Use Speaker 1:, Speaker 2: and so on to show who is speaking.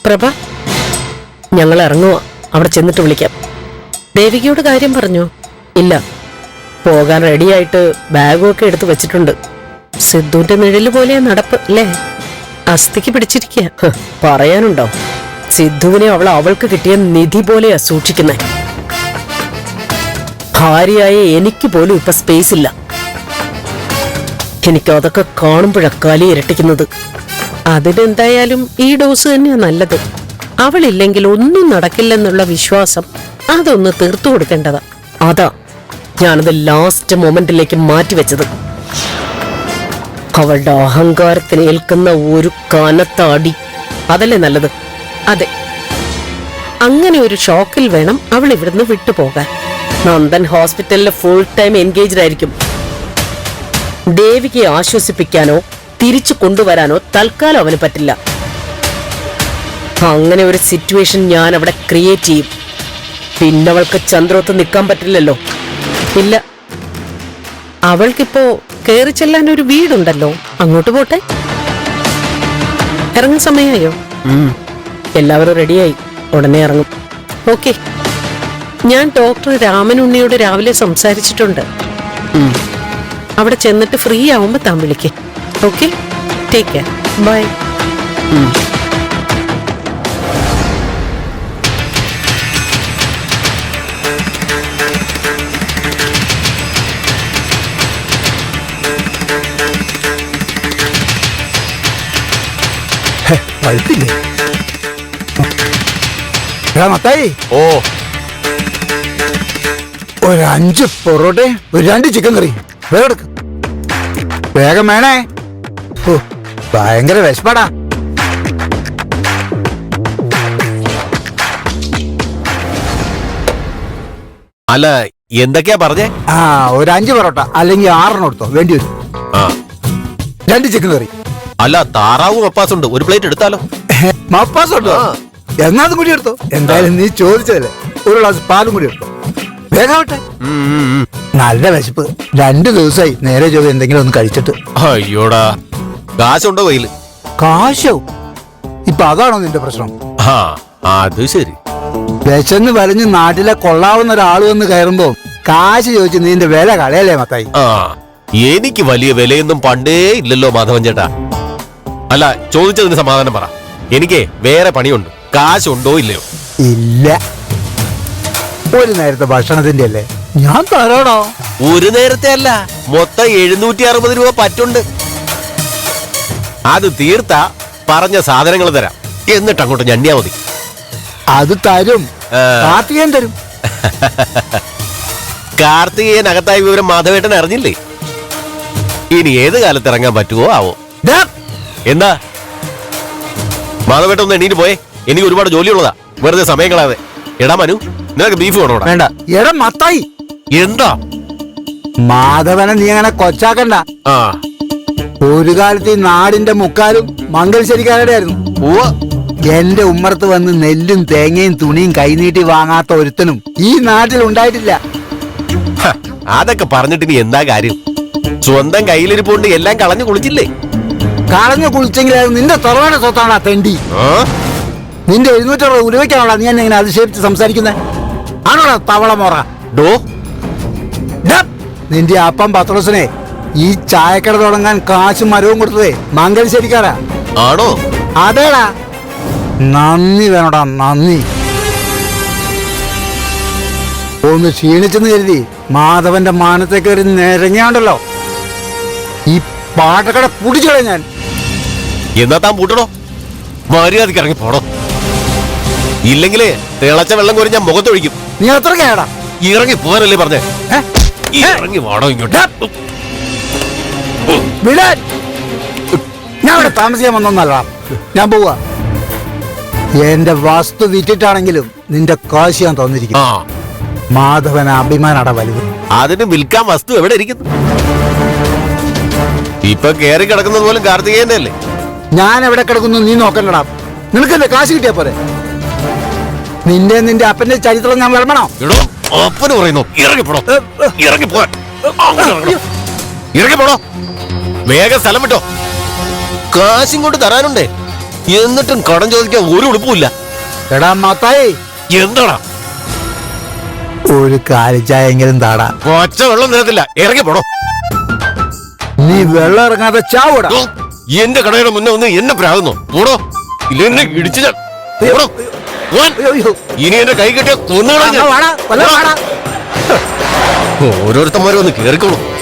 Speaker 1: പ്രഭ, ഞങ്ങൾ ഇറങ്ങുക. അവിടെ ചെന്നിട്ട് വിളിക്കാം. ദേവികയോട് കാര്യം പറഞ്ഞോ? ഇല്ല, പോകാൻ റെഡിയായിട്ട് ബാഗും ഒക്കെ എടുത്ത് വെച്ചിട്ടുണ്ട്. സിദ്ധുവിന്റെ നിഴല് പോലെ നടപ്പ് അല്ലേ? അസ്ഥിക്ക് പിടിച്ചിരിക്കുക. പറയാനുണ്ടോ? സിദ്ധുവിനെ അവൾക്ക് കിട്ടിയ നിധി പോലെയാ സൂക്ഷിക്കുന്നേ. ഭാര്യയായ എനിക്ക് പോലും ഇപ്പൊ സ്പേസ് ഇല്ല. എനിക്ക് അതൊക്കെ കാണുമ്പോഴാ കലി ഇരട്ടിക്കുന്നത്. അതിനെന്തായാലും ഈ ഡോസ് തന്നെയാ നല്ലത്. അവളില്ലെങ്കിൽ ഒന്നും നടക്കില്ലെന്നുള്ള വിശ്വാസം അതൊന്ന് തീർത്തു കൊടുക്കേണ്ടതാ. അതാ ഞാനത് ലാസ്റ്റ് മൊമെന്റിലേക്ക് മാറ്റിവെച്ചത്. അവളുടെ അഹങ്കാരത്തിന് ഏൽക്കുന്ന ഒരു കനത്ത അടി അതല്ലേ നല്ലത്? അതെ, അങ്ങനെ ഒരു ഷോക്കിൽ വേണം അവൾ ഇവിടുന്ന് വിട്ടുപോകാൻ. നന്ദൻ ഹോസ്പിറ്റലിൽ ഫുൾ ടൈം എൻഗേജ്ഡ് ആയിരിക്കും. ദേവിക്ക് ആശ്വസിപ്പിക്കാനോ തിരിച്ചു കൊണ്ടുവരാനോ തൽക്കാലം അവന് പറ്റില്ല. അങ്ങനെ ഒരു സിറ്റുവേഷൻ ഞാൻ അവിടെ ക്രിയേറ്റ് ചെയ്യും. പിന്നെ അവൾക്ക് ചന്ദ്രോത്ത് നിൽക്കാൻ പറ്റില്ലല്ലോ. ഇല്ല, അവൾക്കിപ്പോ കയറി ചെല്ലാൻ ഒരു വീടുണ്ടല്ലോ, അങ്ങോട്ട് പോട്ടെ. ഇറങ്ങുന്ന സമയമായോ? എല്ലാവരും റെഡിയായി, ഉടനെ ഇറങ്ങും. ഓക്കെ, ഞാൻ ഡോക്ടർ രാമനുണ്ണിയോട് രാവിലെ സംസാരിച്ചിട്ടുണ്ട്. അവിടെ ചെന്നിട്ട് ഫ്രീ ആവുമ്പോ താൻ വിളിക്കേ. Okay, take care, bye.
Speaker 2: Mathai,
Speaker 3: ഓ,
Speaker 2: ഒരു 5 പൊറോട്ടയും ഒരു 2 ചിക്കൻ കറി വേഗം എടുക്ക്. വേഗം വേണേ. ഓ, ഭയങ്കര വിശപ്പാടാ.
Speaker 3: അല്ല, എന്തൊക്കെയാ പറഞ്ഞേ?
Speaker 2: ഒരു 5 പൊറോട്ട അല്ലെങ്കിൽ 6 എടുത്തോ, വേണ്ടി വരും. 2 ചിക്കൻ കറി.
Speaker 3: അല്ല, താറാവും മപ്പാസും ഉണ്ട്, ഒരു പ്ലേറ്റ് എടുത്താലോ?
Speaker 2: മപ്പാസ് ഉണ്ടോ? എന്നാതും കൂടി എടുത്തോ. എന്തായാലും നീ ചോദിച്ചതല്ലേ. ഒരു ഗ്ലാസ് പാലും കൂടി എടുത്തോ. വേഗാവട്ടെ. നല്ല വിശപ്പ്. 2 ദിവസമായി നേരെ ചൊവ്വ എന്തെങ്കിലും ഒന്ന് കഴിച്ചിട്ട്.
Speaker 3: അയ്യോടാ, കാശുണ്ടോ കയ്യില്?
Speaker 2: കാശോ? ഇപ്പൊ അതാണോ നിന്റെ പ്രശ്നം?
Speaker 3: അത് ശരി.
Speaker 2: വിശന്ന് വലഞ്ഞ് നാട്ടിലെ കൊള്ളാവുന്ന ഒരാൾ വന്ന് കയറുമ്പോ കാശ് ചോദിച്ച് നീന്റെ വില കളയല്ലേ മത്തായി?
Speaker 3: എനിക്ക് വലിയ വിലയൊന്നും പണ്ടേ ഇല്ലല്ലോ മാധവൻ ചേട്ടാ. അല്ല, ചോദിച്ചതിന് സമാധാനം പറ. എനിക്ക് വേറെ പണിയുണ്ട്. കാശുണ്ടോ ഇല്ലയോ?
Speaker 2: ഇല്ല, ഒരു നേരത്തെ ഭക്ഷണത്തിന്റെ അല്ലേ. ഞാൻ തരാടോ.
Speaker 3: ഒരു നേരത്തെ അല്ല, മൊത്തം 760 രൂപ പറ്റുണ്ട്. അത് തീർത്താ പറഞ്ഞ സാധനങ്ങൾ തരാം. എന്നിട്ട് അങ്ങോട്ട് ഞണ്ടിയാ മതി.
Speaker 2: അത് തരും, കാർത്തികേയൻ തരും.
Speaker 3: കാർത്തികേയൻ അകത്തായ വിവരം മാധവേട്ടൻ അറിഞ്ഞില്ലേ? ഇനി ഏത് കാലത്ത് ഇറങ്ങാൻ പറ്റുമോ ആവോ. എന്താ മാധവേട്ടൻ ഒന്ന് എണീറ്റ് പോയേ, എനിക്ക് ഒരുപാട് ജോലിയുള്ളതാ. വെറുതെ സമയം കളയാതെ. എടാ മനു, നിനക്ക് ബീഫ് വേണോടാ?
Speaker 2: വേണ്ട. എടാ മത്തായി,
Speaker 3: എന്താ
Speaker 2: മാധവനെ നീ അങ്ങനെ കൊച്ചാക്കണ്ട. ഒരു കാലത്ത് ഈ നാടിന്റെ മുക്കാലും മംഗലശ്ശേരിക്കാരുടെ ആയിരുന്നു. എന്റെ ഉമ്മറത്ത് വന്ന് നെല്ലും തേങ്ങയും തുണിയും കൈനീട്ടി വാങ്ങാത്ത ഒരുത്തനും ഈ നാട്ടിൽ ഉണ്ടായിട്ടില്ല.
Speaker 3: അതൊക്കെ പറഞ്ഞിട്ട് ഇനി എന്താ കാര്യം? സ്വന്തം കയ്യിലിരിപ്പുണ്ട് എല്ലാം കളഞ്ഞു കുളിച്ചില്ലേ?
Speaker 2: കളഞ്ഞു കുളിച്ചെങ്കിൽ അത് നിന്റെ തറവാട് സ്വത്താണോ തെണ്ടി? നിന്റെ 760 ഉരുവയ്ക്കാണോടാ നീ എന്നെ ഇങ്ങനെ അതിശയിപ്പിച്ച് സംസാരിക്കുന്നത്? ആണോടാ തവള മോറ? നിന്റെ അപ്പം പത്രോസിനെ ഈ ചായക്കട തുടങ്ങാൻ കാശും മരവും കൊടുത്തതേ മംഗലശ്ശേരിക്കാരാ.
Speaker 3: ആണോ?
Speaker 2: അതേടാ. നന്ദി വേണോടാ, നന്ദി. ഒന്ന് ക്ഷീണിച്ചെന്ന് കരുതി മാധവന്റെ മാനത്തെ കയറി നിരങ്ങിയാണ്ടല്ലോ ഈ പാട്ടക്കട പൂട്ടിച്ചോളെ ഞാൻ.
Speaker 3: എന്നാ താൻ പൂട്ടണോ? മര്യാദക്ക് ഇറങ്ങി പോണോ? ഇല്ലെങ്കിലേ തിളച്ച വെള്ളം കോരി ഞാൻ മുഖത്തൊഴിക്കും.
Speaker 2: നീ അത്ര കേടാ.
Speaker 3: ഇറങ്ങി പോകാനല്ലേ പറഞ്ഞേ? ഇറങ്ങി വാടോ ഇങ്ങോട്ട്.
Speaker 2: വിടാൻ. ഞാൻ ഇവിടെ താമസിക്കാൻ വന്നൊന്നല്ല, ഞാൻ പോവാ. എന്റെ വസ്തു വിറ്റിട്ടാണെങ്കിലും നിന്റെ കാശ് ഞാൻ തന്നിരിക്കും. മാധവന അഭിമാനട വലുത്.
Speaker 3: അതിന് വിൽക്കാൻ വസ്തു എവിടെ ഇരിക്കുന്നു? ഇപ്പൊ കേറി കിടക്കുന്നത് പോലും കാർത്തികേയന്റെ അല്ലേ?
Speaker 2: ഞാൻ എവിടെ കിടക്കുന്നു നീ നോക്കണ്ടടാ. നിനക്കെന്റെ കാശ് കിട്ടിയാ പോരെ? നിന്റെ അപ്പന്റെ ചരിത്രം ഞാൻ വിളമ്പണോ?
Speaker 3: അപ്പന് പറയുന്നു ഇറങ്ങിപ്പോടോ, ഇറങ്ങിപ്പോ, ഇറങ്ങിപ്പോടോ, വേഗം സ്ഥലം വിട്ടോ. കാശും കൊണ്ട് തരാനുണ്ടേ. എന്നിട്ടും കടം ചോദിക്കാൻ ഒരു ഉടുപ്പുമില്ല.
Speaker 2: എടാ മത്തായി,
Speaker 3: എന്താടാ
Speaker 2: ഒരു കാലിച്ചായെങ്കിലും താടാ.
Speaker 3: ഒച്ച വെള്ളം നിരത്തില്ല, ഇറങ്ങി പോടോ.
Speaker 2: നീ വെള്ളം ഇറങ്ങാതെ ചാവൂടാ.
Speaker 3: എന്റെ കടയുടെ മുന്നേ ഒന്ന് എന്നെ പ്രാകുന്നു. പോടോ, ഇല്ല എന്നെ ഇടിച്ചു ഞാൻ. പോടോ. പോവാൻ. ഇനി എന്റെ കൈ കെട്ടിയ കൊന്നുകളാ ഞാൻ. ഓരോരുത്തന്മാരും ഒന്ന് കേറിക്കോളൂ.